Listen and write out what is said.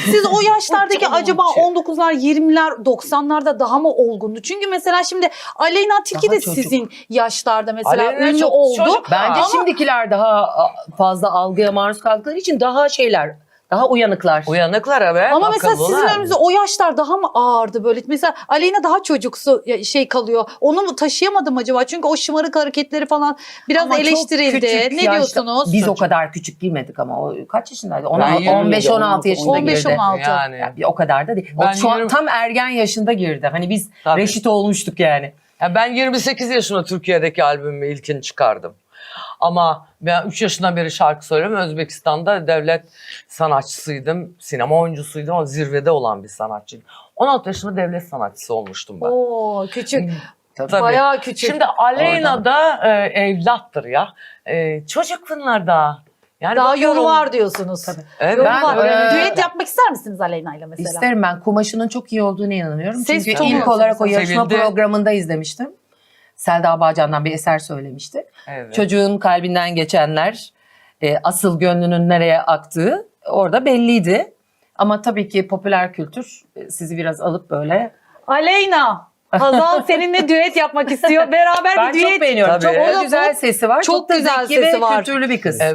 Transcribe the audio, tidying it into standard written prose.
Siz o yaşlardaki Uçurum acaba uçuyor. 19'lar, 20'ler, 90'larda daha mı olgundu? Çünkü mesela şimdi Aleyna Tilki Daha de çocuk. sizin yaşlarda mesela Aleyna ünlü çok oldu. çocuk. Bence Ama- şimdikiler daha fazla algıya maruz kaldıkları için daha şeyler, daha uyanıklar. Uyanıklar evet. Ama mesela sizin akıllılar. önünüzde o yaşlar daha mı ağırdı böyle? Mesela Aleyna daha çocuksu şey kalıyor. Onu mu taşıyamadım acaba? Çünkü o şımarık hareketleri falan biraz Ama çok eleştirildi. küçük Ne yaşta- diyorsunuz? Biz o kadar küçük girmedik ama o kaç yaşındaydı? Ben 15-16 yaşında 15, girdi. 16. Yani. Yani o kadar da değil. Ben O şu an 20 tam ergen yaşında girdi. Hani biz Tabii. reşit olmuştuk yani. Ya ben 28 yaşında Türkiye'deki albümümü ilkini çıkardım. Ama ben 3 yaşından beri şarkı söylüyorum. Özbekistan'da devlet sanatçısıydım. Sinema oyuncusuydum ama zirvede olan bir sanatçıydım. 16 yaşında devlet sanatçısı olmuştum ben. Oo küçük. Tabii. Bayağı küçük. Şimdi Aleyna da evlattır ya. Çocuk bunlar daha. Yani daha bakıyorum- yolu var diyorsunuz. Evet. Yolu Ben, var. e, Düet yapmak ister misiniz Aleyna ile mesela? İsterim, ben kumaşının çok iyi olduğunu inanıyorum. Ses Çünkü tonu ilk olarak o yarışma sevildi. programında izlemiştim. Selda Bağcan'dan bir eser söylemişti. Evet. Çocuğun kalbinden geçenler, asıl gönlünün nereye aktığı orada belliydi. Ama tabii ki popüler kültür sizi biraz alıp böyle... Aleyna, Hazal seninle düet yapmak istiyor. Beraber Ben bir düet. çok beğeniyorum. Tabii. Çok O da güzel sesi var. çok Çok da güzel zeki sesi ve var. kültürlü bir kız. Evet.